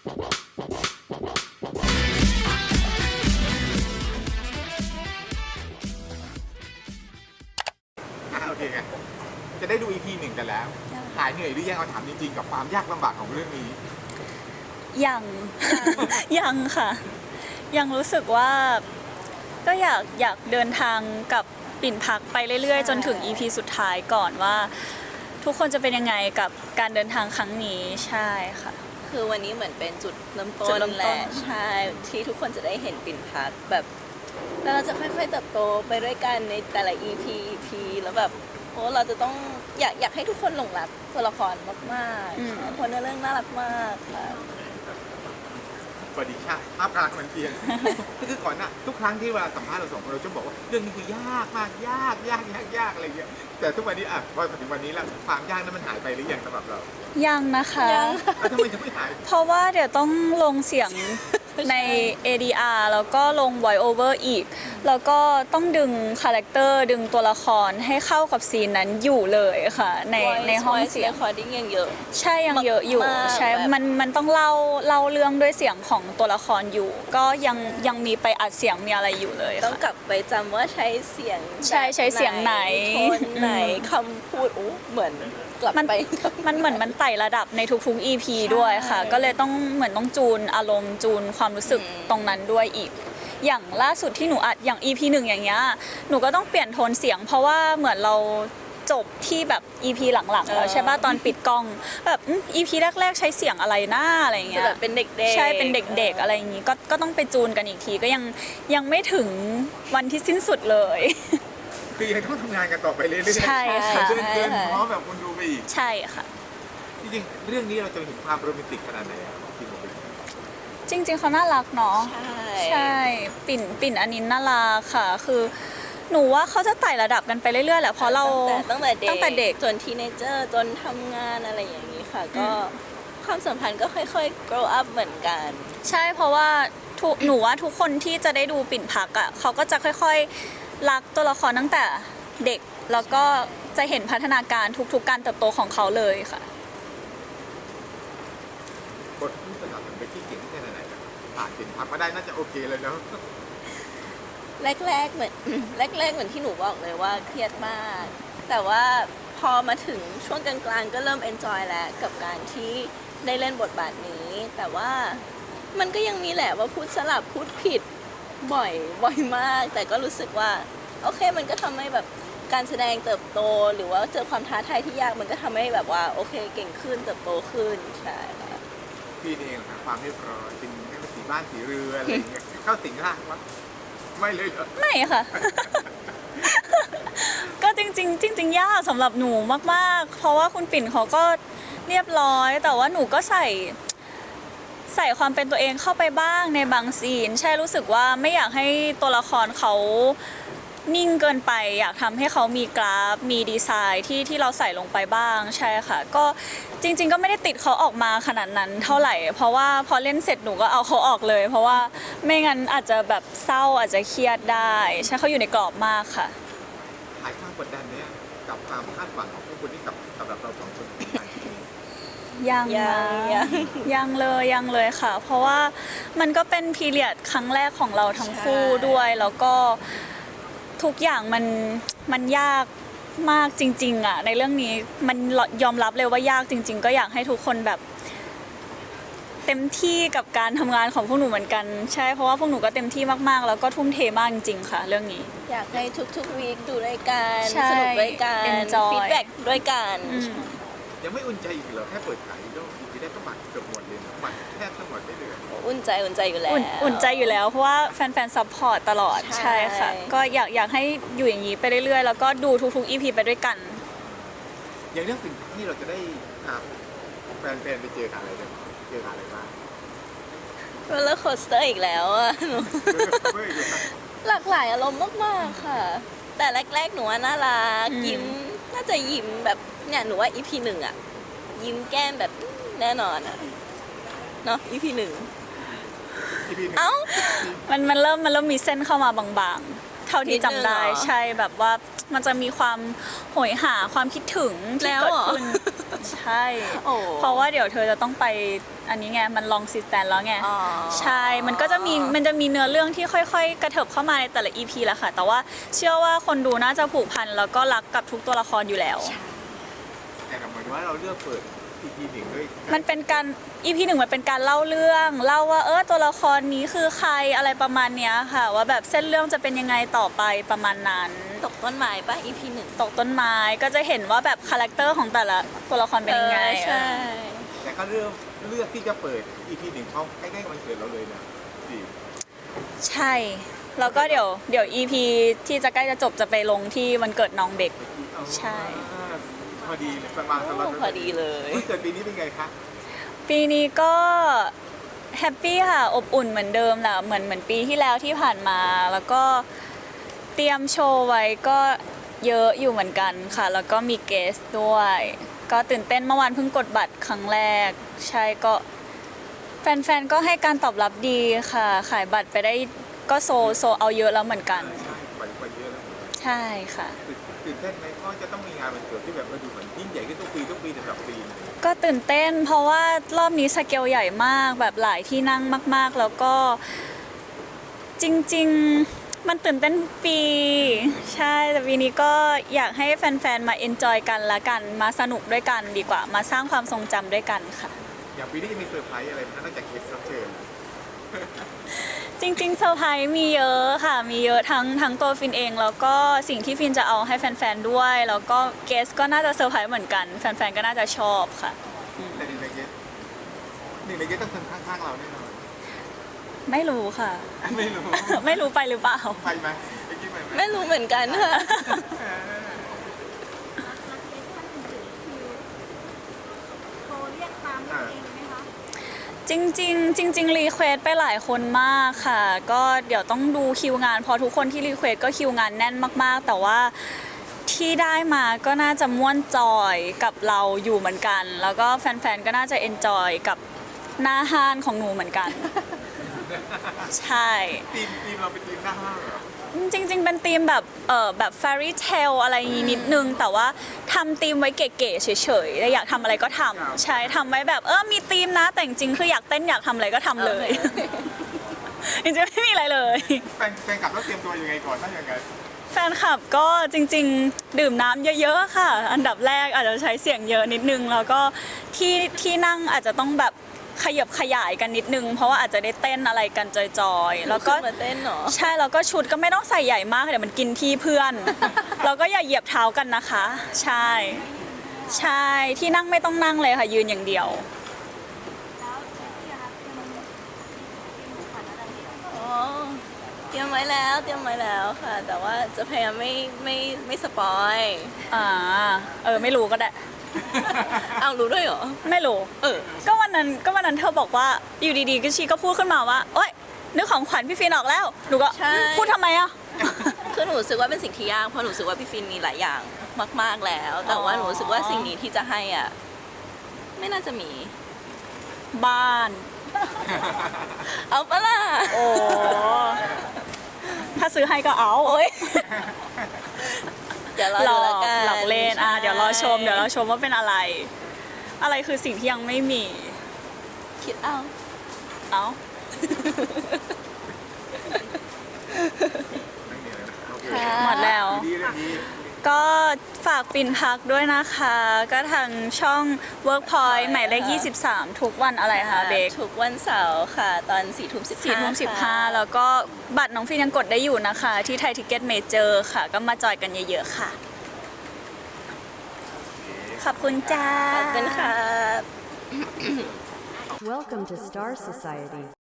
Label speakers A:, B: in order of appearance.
A: โอเคไงจะได้ดู EP 1กันแล้วหายเหนื่อยหรือยังเอาถามจริงๆกับความยากลำบากของเรื่องนี้
B: ยัง ยังค่ะ ยังรู้สึกว่าก็อยากเดินทางกับปิ่นพักไปเรื่อยๆจนถึง EP สุดท้ายก่อนว่า ทุกคนจะเป็นยังไงกับการเดินทางครั้งนี้ใช่ค่ะ
C: คือวันนี้เหมือนเป็นจุดเริ่มต้
B: จุด
C: น
B: เริ่มต้น
C: แหละใช่ที่ทุกคนจะได้เห็นปิ่นพักแบบแล้วเราจะค่อยๆเติบโตไปด้วยกันในแต่ละ EP แล้วแบบโอ้เราจะต้องอยากให้ทุกคนหลงรักตัวละครมากๆคนในเรื่องน่ารักมากค่ะ
A: สวัสดีค่ะภาพรักมันเพียง ก็คือก่อนหน้าทุกครั้งที่เวลาสัมภาษณ์เราสองคนเราจะบอกว่าเรื่องนี้คือยากมากยากอะไรอย่างเงี้ยแต่ทุกวันนี้พอถึงวันนี้แล้วความยากนั้นมันหายไปหรือยังสำหรับเรา
B: ยังนะคะ
C: ยัง
A: แล้วทำไมยังไม่หาย
B: เพราะว่าเดี๋ยวต้องลงเสียงใน ADR แล้วก็ลง voice over อีก แล้วก็ต้องดึงคาแรคเตอร์ดึงตัวละครให้เข้ากับซีนนั้นอยู่เลยค่ะ ในห้องเสียง
C: recording ยังเยอะ
B: ใช่ยังเยอะอยู่
C: มากๆ
B: ใช่
C: แบบ
B: มันต้องเล่าเรื่องด้วยเสียงของตัวละครอยู่ ก็ยังมีไปอัดเสียงมีอะไรอยู่เลย
C: ต้อง
B: ค่ะ
C: กลับไปจำว่าใช้เสียง
B: ใช่ใช้เสียงไหน
C: โทนไหนคำพูดโอ้เหมือนกลับ
B: มัน
C: ไป
B: มันเหมือนมันไต่ระดับในทุกๆ EP ด้วยค่ะ ก็เลยต้องเหมือนต้องจูนอารมณ์จูนความรู้สึกตรงนั้นด้วยอีก อย่างล่าสุดที่หนูอัดอย่าง EP 1อย่างเงี้ยหนูก็ต้องเปลี่ยนโทนเสียง เพราะว่าเหมือนเราจบที่แบบ EP หลังๆแล้วใช่ป่ะตอนปิดกล้องแบบEP แรกๆใช้เสียงอะไรหน้าอะไรอย่างเงี้
C: จะ
B: ย
C: แบบเป็นเด็กๆ
B: ใช่เป็นเด็กๆอะไรอย่างงี้ก็ต้องไปจูนกันอีกทีก็ยังไม่ถึงวันที่สิ้นสุดเลย
A: คือยังต้องทำงานกันต่อไปเรื่อยๆ
B: ใช่ค่ะ
A: เดินพร้อมแบบคนดูไปอีก
B: ใช่ค่ะ
A: จริงๆเรื่องนี้เราจะเห็นความโรแมนติกขนาดไหนของทีมของเรา
B: จริงๆเขาน่ารักเนาะ
C: ใช่
B: ใช่ปิ่นอันนี้น่ารักค่ะ คือหนูว่าเขาจะไต่ระดับกันไปเรื่อยๆแหละเพราะเรา
C: ตั้งแต่
B: ตั้งแต่เด็ก
C: จนทีเนเจอร์จนทำงานอะไรอย่างนี้ค่ะ ก็ความสัมพันธ์ก็ค่อยๆ grow up เหมือนกัน
B: ใช่เพราะว่าหนูว่าทุกคนที่จะได้ดูปิ่นพักอ่ะเขาก็จะค่อยๆรักตัวละครตั้งแต่เด็กแล้วก็จะเห็นพัฒนาการทุกๆการเติบโตของเขาเลยค่ะ
A: บทที่สนับสนุนไปที่เก่งแค่ไหนครับผ่านเป็นพักมาได้น่าจะโอเคเลยเนาะ
C: แรกๆเหมือน แรกๆเหมือนที่หนูบอกเลยว่าเครียดมาก แต่ว่าพอมาถึงช่วงกลางๆก็เริ่ม enjoy แล้วกับการที่ได้เล่นบทบาทนี้ แต่ว่ามันก็ยังมีแหละว่าพูดสลับพูดผิดบ่อยมาก แต่ก็รู้สึกว่าโอเคมันก็ทำให้แบบการแสดงเติบโต หรือว่าเจอความท้าทายที่ยากมันก็ทำให้แบบว่าโอเคเก่งขึ้นเติบโตขึ้นใช่ค่ะ
A: พี่เองนะความเรียบร้อยเป็นให้เป็นสีบ้านสีเรืออะไรอย่างเงี้ยเข้าสิงร่างวะไม่เลยเหรอ
B: ไม่ค่ะ ก็จริงๆยากสำหรับหนูมากๆ เพราะว่าคุณปิ่นเขาก็เรียบร้อย แต่ว่าหนูก็ใส่ความเป็นตัวเองเข้าไปบ้างในบางซีน ใช่รู้สึกว่าไม่อยากให้ตัวละครเขานิ่งเกินไป อยากทำให้เขามีกราฟมีดีไซน์ที่เราใส่ลงไปบ้างใช่ค่ะก็จริงๆก็ไม่ได้ติดเขาออกมาขนาดนั้นเท่าไหร่ เพราะว่าพอเล่นเสร็จหนูก็เอาเขาออกเลย เพราะว่าไม่งั้นอาจจะแบบเศร้าอาจจะเครียดได้ใช่เขาอยู่ในกรอบมากค่ะ
A: หายความกดดันเนี้ยกับความคาดหวังของผู้คนที่กับสำหรับเราสองคน
B: ยังเลยค่ะ เพราะว่ามันก็เป็นพีเรียดครั้งแรกของเราทั้งคู่ด้วยแล้วก็ทุกอย่างมันยากมากจริงๆอ่ะในเรื่องนี้มันยอมรับเลยว่ายากจริง ๆ ก็อยากให้ทุกคนแบบเต็มที่กับการทำงานของพวกหนูเหมือนกันใช่เพราะว่าพวกหนูก็เต็มที่มากๆแล้วก็ทุ่มเทมากจริงๆค่ะ เรื่องนี้
C: อยากให้ทุกๆวีคดูด้วยกัน
B: ใช่
C: สนุกด้วยกัน
B: enjoy
C: ฟีดแบ็กด้วยกัน
A: ยังไม่อุ่นใจอีกเหรอแค่เปิดขายก็ทีแรกก็บัตรเกือบหมดเลยนะบัตรแทบทั้งหมดได้เลย
C: อุ่นใจอยู่แล้ว
B: อุ่นใจอยู่แล้วเพราะว่าแฟนๆซัพพอร์ตตลอด
C: ใช่
B: ใช่ค่ะก็อยากให้อยู่อย่างนี้ไปเรื่อยๆแล้วก็ดูทุกๆ EP ไปด้วยกัน
A: อย่างเรื่องสิ่งที่เราจะได้แฟนๆไปเจออะไรเนี่ยเจออะไรบ้าง
C: โรลเลอร์โคสเตอร์อีกแล้วอะหนู
A: เมื่ออยู่นะ
C: หลากหลายอารมณ์มากๆค่ะ แต่แรกๆหนูว่าน่ารัก
B: อืม
C: ยิ้มน่าจะยิ้มแบบเนี่ยหนูว่า EP 1อะยิ้มแก้มแบบแน่นอนอะเนาะ EP 1
A: อีพีหนึ่ง
C: เอ้า
B: มันเริ่มมีเส้นเข้ามาบางเท่าที่จำได้
C: นิดนึงเหรอ
B: ใช่แบบว่ามันจะมีความโหยหาความคิดถึงที่
C: แล้ว
B: เกิ
C: เห
B: ด
C: รอ
B: ขึ้นใช่
C: โอ้
B: เพราะว่าเดี๋ยวเธอจะต้องไปอันนี้ไงมันลองซิสแตนแล้วไง
C: อ๋อ
B: ใช่มันก็จะมีเนื้อเรื่องที่ค่อยๆ กระเถิบเข้ามาในแต่ละ EP แหละค่ะ แต่ว่าเชื่อว่าคนดูน่าจะผูกพันแล้วก็รักกับทุกตัวละครอยู่แล้ว
A: แต่เหมือนว่าเราเลือกเปิด EP หนึ่งด้วย
B: มันเป็นการ EP หนึ่งมันเป็นการเล่าเรื่องเล่าว่าตัวละครนี้คือใครอะไรประมาณเนี้ยค่ะ ว่าแบบเส้นเรื่องจะเป็นยังไงต่อไปประมาณนั้น
C: ตกต้นไม้ป่ะ EP หนึ่ง
B: ตกต้นไม้ก็จะเห็นว่าแบบคาแรคเตอร์ของแต่ละตัวละครเป็นยังไง
C: ใช่
A: แต่ก็เลือกที่จะเปิด EP หนึ่งเขาใกล้ๆวันเกิดเราเลยนะดี
B: ใช่แล้วก็เดี๋ยว EP ที่จะใกล้จะจบจะไปลงที่วันเกิดน้องเบก ใช่
A: พอดีเลยสบายสบาย
C: พอดีเลย
A: วันเกิดปีนี้เป็นไงคะ
B: ปีนี้ก็แฮปปี้ค่ะอบอุ่นเหมือนเดิมแหละเหมือนปีที่แล้วที่ผ่านมา แล้วก็เตรียมโชว์ไว้ก็เยอะอยู่เหมือนกันค่ะ แล้วก็มีเกสด้วย ก็ตื่นเต้นเมื่อวานเพิ่งกดบัตรครั้งแรก ใช่ก็แฟนๆก็ให้การตอบรับดีค่ะ ขายบัตรไปได้ก็โซเอาเยอะแล้วเหมือนกัน
A: ใช่ไปเยอะแล้ว
B: ใช่ค่ะ
A: ตื่นเต้นไหมก็จะต้องมีงานวันเกิดที่แบบมาดูเหมือนยิ่งใหญ่ขึ้นทุกปีแต่ละปี
B: ก็ตื่นเต้นเพราะว่ารอบนี้สเกลใหญ่มากแบบหลายที่นั่งมากๆ แล้วก็จริงๆมันตื่นเต้นทุกปีใช่แต่ปีนี้ก็อยากให้แฟนๆมาเอนจอยกันละกันมาสนุกด้วยกันดีกว่า มาสร้างความทรงจำด้วยกันค่ะ
A: อย่างปีนี้จะมีเซอร์ไพรส์อะไรไหมนอกจากเคสรับเชิญ
B: จริงๆเซอร์ไพรส์มีเยอะค่ะมีเยอะทั้งตัวฟินเองแล้วก็สิ่งที่ฟินจะเอาให้แฟนๆด้วย แล้วก็เกสก็น่าจะเซอร์ไพรส์เหมือนกันแฟนๆก็น่าจะชอบค่ะ
A: แต่หนึ่งในเกสต้องคนข้างๆเราแน่นอน
B: ไม่รู้ค่ะ
A: ไม่รู้
B: ไม่รู้ไปหรือเปล่า
A: ไปไหมไปกินไปไหม
C: ไม่รู้เหมือนกันค่ะ
D: โทรเรียกตามตัวเองไหมคะ
B: จริงรีเควสไปหลายคนมากค่ะ ก็เดี๋ยวต้องดูคิวงานเพอทุกคนที่รีเควสก็คิวงานแน่นมากๆ แต่ว่าที่ได้มาก็น่าจะม่วนจอยกับเราอยู่เหมือนกัน แล้วก็แฟนๆก็น่าจะเอนจอยกับหน้าห้านของหนูเหมือนกัน ใช่
A: ทีมเราเป็นทีมหน้าห้างเหรอ
B: จริงๆเป็นธีมแบบแบบ fairy tale อะไรอย่างงี้นิดนึง แต่ว่าทำธีมไว้เก๋ๆเฉยๆอยากทำอะไรก็ทำใช่ทำไว้แบบมีธีมนะแต่จริงๆคืออยากเต้นอยากทำอะไรก็ทำเลย จริงๆไม่มีอะไรเลย
A: แฟนกลับต้องเตรียมตัวยังไงก่อนถ้าอย่างไง
B: แฟนคลับก็จริงๆ ดื่มน้ำเยอะๆค่ะ อันดับแรกอาจจะใช้เสียงเยอะนิดนึง แล้วก็ที่นั่งอาจจะต้องแบบขยับขยายกันนิดนึง เพราะว่าอาจจะได้เต้นอะไรกันจอยๆแล้วก็
C: มาเต้นเหรอ
B: ใช่แล้วก็ชุดก็ไม่ต้องใส่ใหญ่มากเดี๋ยวมันกินที่เพื่อน แล้วก็อย่าเหยียบเท้ากันนะคะ ใช่ใช่ที่นั่งไม่ต้องนั่งเลยค่ะยืนอย่างเดียว
D: แล้วพี่อะคะเตรียมขวัญอะไรให้
C: อ๋อ เตรียมไว้แล้วค่ะ แต่ว่าจะพยายามไม่สปอย
B: ไม่รู้ก็ได้
C: เอารู้ด้วยเหรอ
B: ไม่รู้ก็วันนั้นเธอบอกว่าอยู่ดีๆก็ชีก็พูดขึ้นมาว่าโอ๊ยนึกของขวัญพี่ฟินออกแล้วหนูก็
C: ใช่
B: พูดทำไมอ่ะ
C: คือหนูรู้สึกว่าเป็นสิ่งที่ยากเพราะหนูรู้สึกว่าพี่ฟินมีหลายอย่างมาก ๆแล้ว แต่ว่าหนูรู้สึกว่าสิ่งนี้ที่จะให้อ่ะไม่น่าจะมี
B: บ้าน
C: เอาปะล่ะ
B: โอ้ถ้าซื้อให้ก็เอา
C: โอ๊ยเดี๋ยวรอ
B: หล
C: ดู
B: อ
C: แล้ว
B: ก
C: กัน
B: หลอกเล่นเดี๋ยวรอชมว่าเป็นอะไร อะไรคือสิ่งที่ยังไม่มี
C: คิดเอา
B: เอ้า หมดแล้ว
A: ดีเลยดี
B: ก็ฝากปิ่นพักด้วยนะคะ ก็ทางช่อง Workpoint หมายเลข 23 ทุกวันอะไรคะเบค
C: ทุกวันเสาร์ค่ะ ตอน4 ทุ่ม
B: 4:15แล้วก็บัตรน้องฟินยังกดได้อยู่นะคะ ที่ไทยทิกเก็ตเมเจอร์ค่ะ ก็มาจอยกันเยอะๆค่ะ ขอบคุณจ้า
C: ขอบคุณค่ะ
E: Welcome to Star Society.